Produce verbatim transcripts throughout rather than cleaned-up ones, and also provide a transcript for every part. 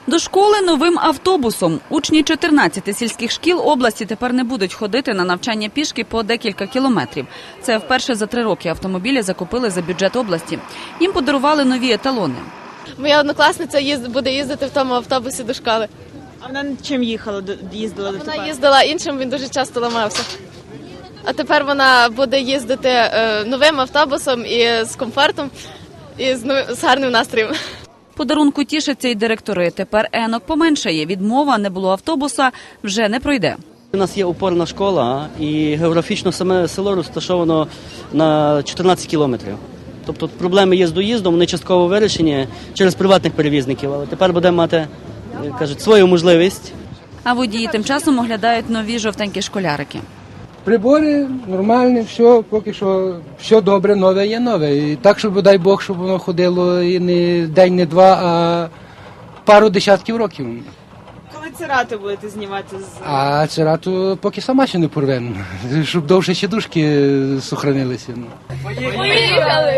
До школи новим автобусом. Учні чотирнадцяти сільських шкіл області тепер не будуть ходити на навчання пішки по декілька кілометрів. Це вперше за три роки автомобілі закупили за бюджет області. Їм подарували нові еталони. Моя однокласниця їзд, буде їздити в тому автобусі до школи. А вона чим їхала, їздила до Вона їздила іншим, він дуже часто ламався. А тепер вона буде їздити е, новим автобусом і з комфортом, і з, новим, з гарним настроєм. Подарунку тішаться й директори. Тепер енок поменшає. Відмова не було автобуса вже не пройде. У нас є опорна школа, і географічно саме село розташовано на чотирнадцять кілометрів. Тобто проблеми є з доїздом, вони частково вирішені через приватних перевізників, але тепер будемо мати, як кажуть, свою можливість. А водії тим часом оглядають нові жовтенькі школярики. Прибори нормальні, все, поки що все добре, нове є нове. І так, щоб, дай Бог, щоб воно ходило і не день, не два, а пару десятків років. Коли цирати будете знімати з... А цирату поки сама ще не порвемо, щоб довше сідушки сохранилися. Поїхали!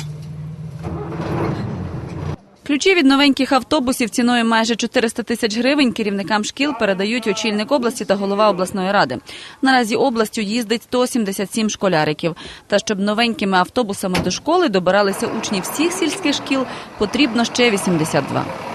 Ключі від новеньких автобусів ціною майже чотириста тисяч гривень керівникам шкіл передають очільник області та голова обласної ради. Наразі областю їздить сто сімдесят сім школяриків. Та щоб новенькими автобусами до школи добиралися учні всіх сільських шкіл, потрібно ще вісімдесят два.